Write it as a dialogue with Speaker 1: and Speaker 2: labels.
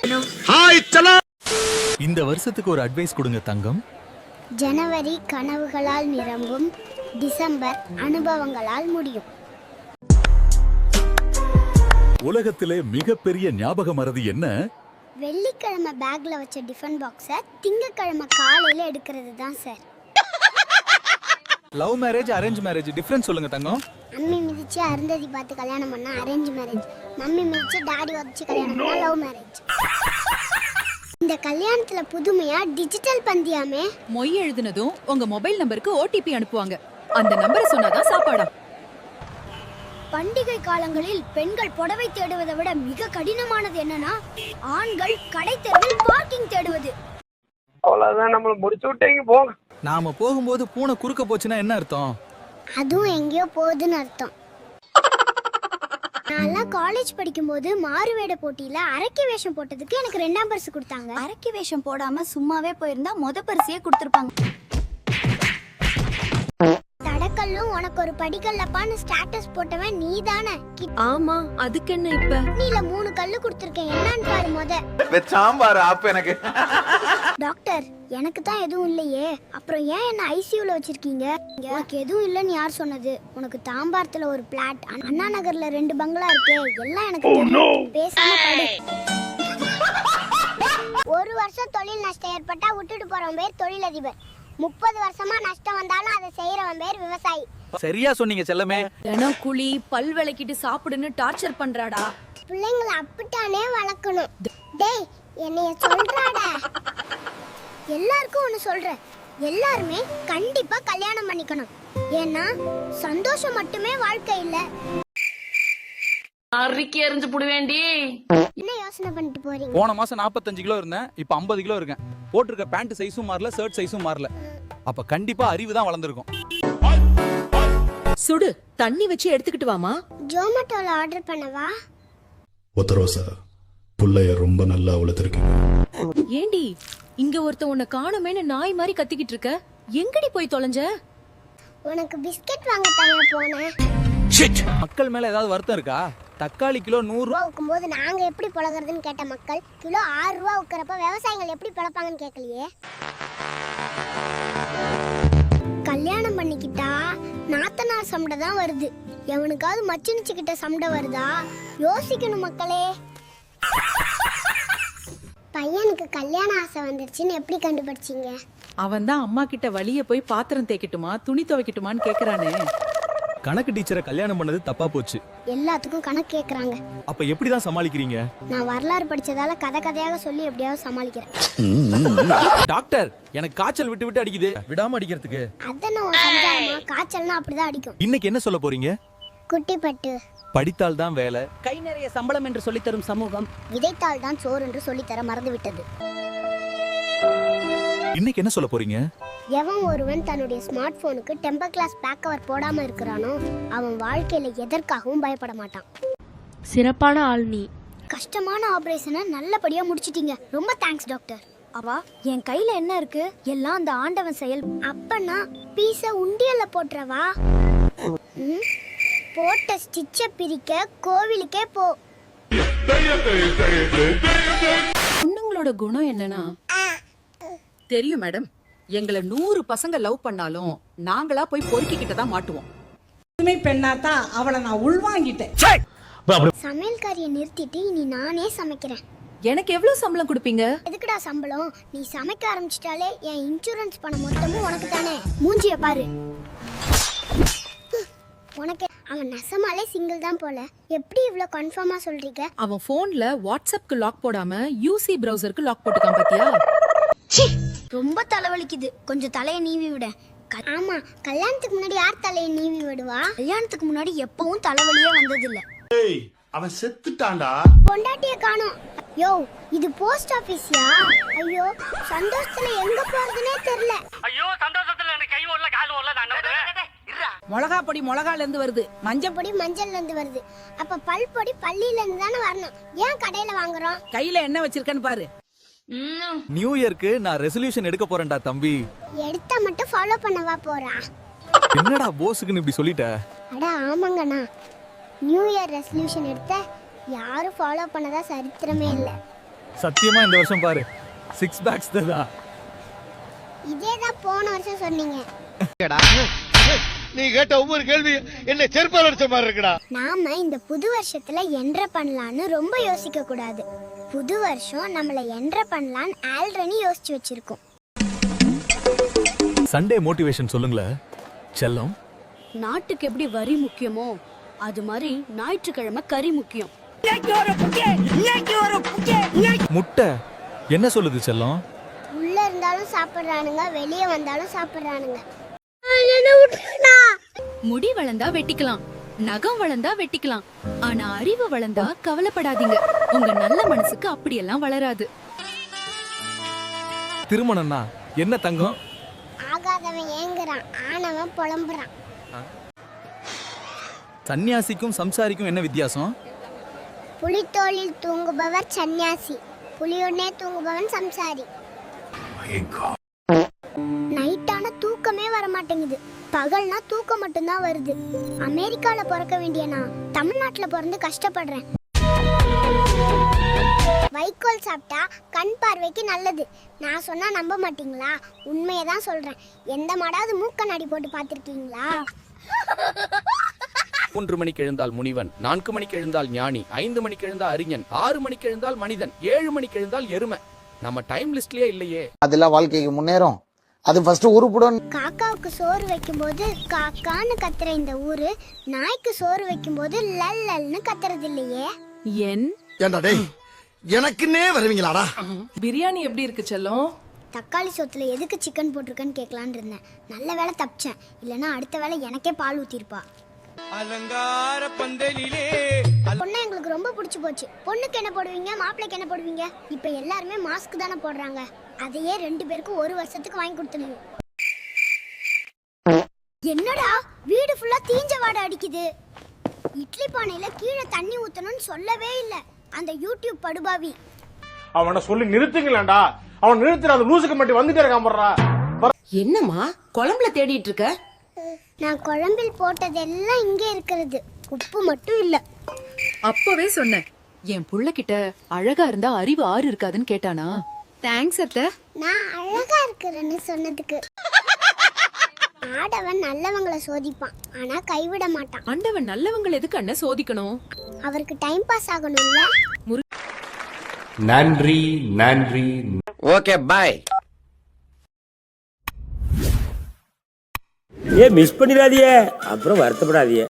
Speaker 1: Hi சலோ. இந்த வருஷத்துக்கு ஒரு அட்வைஸ் கொடுங்க தங்கம்.
Speaker 2: ஜனவரி கனவுகளால் நிரம்பும், டிசம்பர் அனுபவங்களால் முடியும்.
Speaker 1: உலகத்திலே மிகப்பெரிய ஞாபக மறதி என்ன?
Speaker 2: வெள்ளிக்கிழமை பேக்ல வச்ச டிஃபன் பாக்ஸை திங்கக்கிழமை காலையில எடுக்கிறது தான் sir.
Speaker 3: Love marriage arrange marriage difference சொல்லுங்க தங்கம்.
Speaker 2: அம்மி மிதிச்சு அருந்ததி பார்த்து கல்யாணம் பண்ணா அரேஞ்ச் மேரேஜ், மம்மி மிதிச்சு டாடி வச்சு கல்யாணம் பண்ணா லவ் மேரேஜ். இந்த கல்யாணத்துல புதுமையா டிஜிட்டல் பந்தியாமே.
Speaker 4: மொய் எழுதுனதும் உங்க மொபைல் நம்பருக்கு ஓடிபி அனுப்புவாங்க. அந்த நம்பரை சொன்னாதான் சாப்பாடா.
Speaker 2: பண்டிகை காலங்களில் பெண்கள் புடவை தேடுவதை விட மிக கடினமானது என்னன்னா, ஆண்கள் கடை தெருவில் பார்க்கிங் தேடுவது.
Speaker 5: அவ்வளவுதான், நம்மள முடிச்சு விட்டீங்க போங்க.
Speaker 3: நாம போகும்போது பூனை குறுக்க போச்சுன்னா என்ன அர்த்தம்?
Speaker 2: அதுவும் எங்கேயோ போகுதுன்னு அர்த்தம். நான் காலேஜ் படிக்கும்போது மாறுவேட போட்டியில அரக்கி வேஷம் போட்டதுக்கு எனக்கு 2ஆம் பரிசு கொடுத்தாங்க. அரக்கி வேஷம் போடாம சும்மாவே போயிருந்தா முத பரிசையே கொடுத்திருப்பாங்க. தடக்கல்லும் உனக்கு ஒரு படிக்கல்லப்பான்னு ஸ்டேட்டஸ் போட்டவன் நீதானே?
Speaker 4: ஆமா, அதுக்கு என்ன இப்ப?
Speaker 2: நீல 3 கல்லு கொடுத்திருக்கேன், என்னன்னு பாரு முத.
Speaker 3: வெச்சாம்பாரு அப்ப எனக்கு.
Speaker 2: டாக்டர், எனக்கு தான் எதுவும் இல்லையே, அப்புறம் ஏன் என்ன ஐசியூல வச்சிருக்கீங்க? உனக்கு எதுவும் இல்லைன்னு யார் சொன்னது? உனக்கு தாம்பாரத்துல ஒரு பிளாட், அண்ணா நகர்ல 2 பங்களா இருக்கு, எல்லாம் எனக்கு தெரியும். பேசாம படு. ஒரு வருஷம் தொழில் நஷ்டம் ஏற்பட்டா விட்டுட்டு போறவன் பேர் தொழிலதிபர். 30 வருஷமா நஷ்டம் வந்தாலும் அதை செய்யறவன் பேர் விவசாயி.
Speaker 3: சரியா சொன்னீங்க செல்லமே.
Speaker 4: தினம் குழி பல் விளக்கிட்டு சாப்பிடுன்னு டார்ச்சர் பண்றாடா.
Speaker 2: பிள்ளைங்களை அப்படித்தானே வளர்க்கணும். டேய், என்னைய சொல்றாடா. எல்லாருக்கும் ஒண்ணு சொல்றேன், எல்லாருமே கண்டிப்பா கல்யாணம் பண்ணிக்கணும். ஏன்னா சந்தோஷம் மட்டுமே வாழ்க்கை இல்ல.
Speaker 6: அரிக்கி எறிஞ்சு புடுவேண்டி.
Speaker 2: என்ன யோசனை பண்ணிட்டு போறீங்க?
Speaker 3: போன மாசம் 45 கிலோ இருந்தேன், இப்ப 50 கிலோ இருக்கேன். போட்டிருக்க பேண்ட் சைஸும் மாறல, ஷர்ட் சைஸும் மாறல. அப்ப கண்டிப்பா அறிவு தான் வளர்ந்துருக்கும்.
Speaker 4: சுடு தண்ணி வச்சு எடுத்துக்கிட்டு வாமா.
Speaker 2: ஜோமேட்டோல ஆர்டர் பண்ணவா?
Speaker 7: ஒத்தரோசா புள்ளைய ரொம்ப நல்லா வளர்த்திருக்கீங்க.
Speaker 4: ஏண்டி இங்க ஒருத்த உன்னை காணுமேன்னு நாய் மாதிரி கத்திக்கிட்டு இருக்க? எங்கடி போய் தொலைஞ்ச?
Speaker 2: உனக்கு பிஸ்கட் வாங்க தனியா போனேன்.
Speaker 3: மக்கள் மேல ஏதாவது வருத்தம் இருக்கா? தக்காளி கிலோ 100
Speaker 2: ரூபா விற்கும்போது நாங்க எப்படி பழகிறதுன்னு கேட்ட மக்கள், கிலோ 6 ரூபா விற்கிறப்ப விவசாயிகள் எப்படி பழப்பாங்கன்னு கேட்கலையே. கல்யாணம் பண்ணிக்கிட்டா நாத்தனார் சண்டை தான் வருது, எவனுக்காவது மச்சினிச்சுக்கிட்ட சண்டை வருதா? யோசிக்கணும் மக்களே. பையனுக்கு கல்யாண ஆசை வந்துருச்சுன்னு எப்படி கண்டுபிடிச்சீங்க?
Speaker 4: அவன் தான் அம்மா கிட்ட வழிய போய் பாத்திரம் தேய்க்கட்டுமா துணி துவைக்கட்டுமான்னு கேக்குறானே.
Speaker 1: கணக்கு டீச்சரை கல்யாணம் பண்ணது தப்பா போச்சு.
Speaker 2: எல்லாத்துக்கும் கணக்கு கேக்குறாங்க.
Speaker 1: அப்ப எப்படிதான் சமாளிக்கிறீங்க?
Speaker 2: நான் வரலாறு படிச்சதால கதையாக சொல்லி எப்படியாவது சமாளிக்கிறேன்.
Speaker 3: டாக்டர், எனக்கு காய்ச்சல் விட்டு விட்டு அடிக்குது, விடாம அடிக்கிறதுக்கு.
Speaker 2: அதென்ன சஞ்சாரமா? காய்ச்சல்னா அப்படிதான் அடிக்கும்.
Speaker 1: இன்னைக்கு என்ன சொல்ல போறீங்க?
Speaker 2: குட்டிப்பட்டு.
Speaker 1: படித்தால் தான் வேலை,
Speaker 4: கை நிறைய சம்பளம் என்று சொல்லி தரும் சமூகம்,
Speaker 2: விதைத்தால் தான் சோறு என்று சொல்லித்தர மறந்து விட்டது.
Speaker 1: இன்னைக்கு என்ன சொல்ல போறீங்க?
Speaker 2: எவன் ஒருவன் தன்னுடைய ஸ்மார்ட் போனுக்கு டெம்பர் கிளாஸ் பேக் கவர் போடாம இருக்கிறானோ அவன் வாழ்க்கையில எதற்காகவும் பயப்பட மாட்டான்.
Speaker 6: சிறப்பான ஆள் நீ.
Speaker 2: கஷ்டமான ஆபரேஷனை நல்லபடியா முடிச்சிட்டீங்க, ரொம்ப தேங்க்ஸ் டாக்டர். அவா, என் கையில என்ன இருக்கு? எல்லாம் அந்த ஆண்டவன் செயல். அப்பனா பீஸ உண்டியல்ல போட்டுறவா? போட்ட ஸ்டிச்ச பிரிக்க கோவிலுக்கே போ.
Speaker 4: பொண்ணுங்களோட குணம் என்னன்னா தெரியும் மேடம். எங்களை 100 பசங்க லவ் பண்ணாலும் நாங்களா போய் பொறுக்கிக்கிட்ட தான் மாட்டுவோம்.
Speaker 8: பெண்ணாதான் அவளை நான் உள்வாங்கிட்டேன்.
Speaker 2: சமையல்காரியை நிறுத்திட்டு இனி நானே சமைக்கிறேன்.
Speaker 4: எனக்கு எவ்வளவு சம்பளம் கொடுப்பீங்க?
Speaker 2: எதுக்குடா சம்பளம்? நீ சமைக்க ஆரம்பிச்சிட்டாலே என் இன்சூரன்ஸ் பணம் மொத்தமும் உனக்கு தானே. மூஞ்சிய பாரு. உனக்கு அவன் நெசமாலே சிங்கிள் தான் போல. எப்படி இவ்ளோ கன்ஃபார்மா சொல்றீங்க?
Speaker 4: அவன் போன்ல வாட்ஸ்அப்க்கு லாக் போடாம யூசி பிரவுசருக்கு லாக் போட்டுக்கான் பாத்தியா?
Speaker 2: ரொம்ப தலைவலிக்குது, கொஞ்சம் தலையை நீவி விட. ஆமா, கல்யாணத்துக்கு முன்னாடி யார் தலையை நீவி விடுவா? கல்யாணத்துக்கு முன்னாடி எப்பவும் தலைவலியே வந்ததில்ல.
Speaker 7: அவன் செத்துட்டான்டா.
Speaker 2: பொண்டாட்டிய காணோம். யோ, இது போஸ்ட் ஆபீஸ்யா? ஐயோ, சந்தோஷத்துல எங்க போறதுனே தெரியல.
Speaker 5: ஐயோ, சந்தோஷத்துல எனக்கு கை ஓடல கால் ஓடல. நான்
Speaker 4: மிளகா பொடி மிளகால இருந்து வருது,
Speaker 2: மஞ்சள் பொடி மஞ்சள்ல இருந்து வருது. அப்ப பல் பொடி பள்ளியில இருந்து தானே வரணும். ஏன் கடையில வாங்குறோம்?
Speaker 4: கையில என்ன வச்சிருக்கன்னு பாரு.
Speaker 1: நியூ இயர்க்கு நான் ரெசல்யூஷன் எடுக்க போறேன்டா தம்பி.
Speaker 2: எடுத்தா மட்டும் ஃபாலோ பண்ணவா போறா?
Speaker 1: என்னடா போஸ்க்குன்னு இப்படி சொல்லிட்ட?
Speaker 2: அட ஆமாங்கண்ணா, நியூ இயர் ரெசல்யூஷன் எடுத்த யாரும் ஃபாலோ பண்ணதா சரித்திரமே இல்லை.
Speaker 1: சத்தியமா இந்த வருஷம் பாரு 6 பேக்ஸ் தான்.
Speaker 2: இதே தான் போன வருஷம் சொன்னீங்க.
Speaker 9: நீ கேட்ட ஒவ்வொரு கேள்வி என்ன செருப்பால் அடிச்ச மாதிரி இருக்குடா.
Speaker 2: நாம இந்த புது வருஷத்துல என்ட்ர பண்ணலான்னு ரொம்ப யோசிக்க கூடாது. புது வருஷம் நம்மள என்ட்ர பண்ணலான்னு ஆல்ரெடி யோசிச்சு வச்சிருக்கோம்.
Speaker 1: சண்டே மோட்டிவேஷன் சொல்லுங்களேன் செல்லம்.
Speaker 6: நாட்டுக்கு எப்படி வரி முக்கியமோ அது மாதிரி ஞாயிற்றுக்கிழமை கறி முக்கியம்.
Speaker 1: முட்டை என்ன சொல்லுது செல்லம்?
Speaker 2: உள்ள இருந்தாலும் சாப்பிடுறானுங்க, வெளியே வந்தாலும் சாப்பிடுறானுங்க.
Speaker 10: முடி வளர்ந்தா வெட்டிக்கலாம், நகம் வளர்ந்தா வெட்டிக்கலாம், ஆனா அறிவு வளர்ந்தா கவலைப்படாதீங்க. உங்க நல்ல மனசுக்கு அப்படியெல்லாம் வளராது.
Speaker 1: திருமணம்னா என்ன தங்கம்?
Speaker 2: ஆகாதவன் ஏங்குறான், ஆனவன் புலம்புறான்.
Speaker 3: சன்னியாசிக்கும் சம்சாரிக்கும் என்ன வித்தியாசம்?
Speaker 2: புலித்தோளில் தூங்குபவர் சன்னியாசி, புலியுடனே தூங்குபவன் சம்சாரி. நைட்டான தூக்கமே வர மாட்டேங்குது, பகல்னா தூக்கம் மட்டும்தான் வருது. அமெரிக்கால பிறக்க வேண்டிய நான் தமிழ்நாட்டுல பிறந்து கஷ்டப்படுறேன். வைக்கோல் சாப்பிட்டா கண் பார்வைக்கு நல்லது. நான் சொன்னா நம்ப மாட்டீங்களா? உண்மையை தான் சொல்றேன். எந்த மாடாவது மூக்கண்ணாடி போட்டு பார்த்திருக்கீங்களா?
Speaker 11: 3 மணிக்கு எழுந்தால் முனிவன், 4 மணிக்கு எழுந்தால் ஞானி, 5 மணிக்கு எழுந்தால் அறிஞன், 6 மணிக்கு எழுந்தால் மனிதன், 7 மணிக்கு எழுந்தால் எருமை. நம்ம டைம் லிஸ்ட்லயே இல்லையே.
Speaker 9: அதெல்லாம் வாழ்க்கைக்கு முன்னேறும். அது ஃபர்ஸ்ட் உருப்படும்.
Speaker 2: காக்காவுக்கு சோறு வைக்கும்போது காக்கான்னு கத்துற இந்த ஊரு நாய்க்கு சோறு வைக்கும்போது லல் லல்னு கத்துறது இல்லையே.
Speaker 4: என்
Speaker 9: ஏண்டா டேய், எனக்குன்னே வருவீங்களாடா?
Speaker 8: பிரியாணி எப்படி இருக்கு செல்லம்?
Speaker 2: தக்காளி சோத்துல எதுக்கு சிக்கன் போட்டிருக்கேன்னு கேட்கலான்னு இருந்தேன். நல்ல வேளை தப்பிச்சேன், இல்லைன்னா அடுத்த வேளை எனக்கே பால் ஊத்திருப்பா.
Speaker 9: அலங்கார பந்தலிலே
Speaker 2: பொண்ணு எங்களுக்கு ரொம்ப பிடிச்சு போச்சு. பொண்ணுக்கு என்ன போடுவீங்க, மாப்பிள்ளைக்கு என்ன போடுவீங்க? இப்ப எல்லாருமே மாஸ்க் தானே போடுறாங்க. அதையே 2 பேருக்கும் 1 வருஷத்துக்கு வாங்கி கொடுத்துருங்க. என்னடா வீடு ஃபுல்லா தீஞ்ச வாடை அடிக்குது. இட்லி பானையில கீழே தண்ணி ஊத்தணும்னு சொல்லவே இல்ல அந்த யூடியூப் படுபாவி.
Speaker 5: அவனை சொல்லி நிறுத்துங்களேன்டா. அவன் நிறுத்துற அந்த லூசுக்கு மட்டும் வந்துட்டே இருக்கான் போடுறா.
Speaker 8: என்னம்மா குழம்புல தேடிட்டு இருக்க?
Speaker 2: நான் குழம்பில் போட்டதெல்லாம் இங்கே இருக்கிறது, உப்பு மட்டும் இல்ல.
Speaker 4: அப்பவே சொன்னேன், என் புள்ள கிட்ட அழகா இருந்தா அறிவு 6 இருக்காதுன்னு கேட்டானா?
Speaker 10: தேங்க்ஸ் அத்தை.
Speaker 2: நான் அழகா இருக்கிறேன்னு சொன்னதுக்கு. ஆடவன் நல்லவங்களை சோதிப்பான், ஆனா கைவிட மாட்டான்.
Speaker 4: ஆண்டவன் நல்லவங்களை எதுக்கு அண்ணன் சோதிக்கணும்?
Speaker 2: அவருக்கு டைம் பாஸ் ஆகணும்ல.
Speaker 7: நன்றி நன்றி.
Speaker 9: Okay bye.
Speaker 5: மிஸ் பண்ணிடாதீங்க, அப்புறம் வருத்தப்படாதீங்க.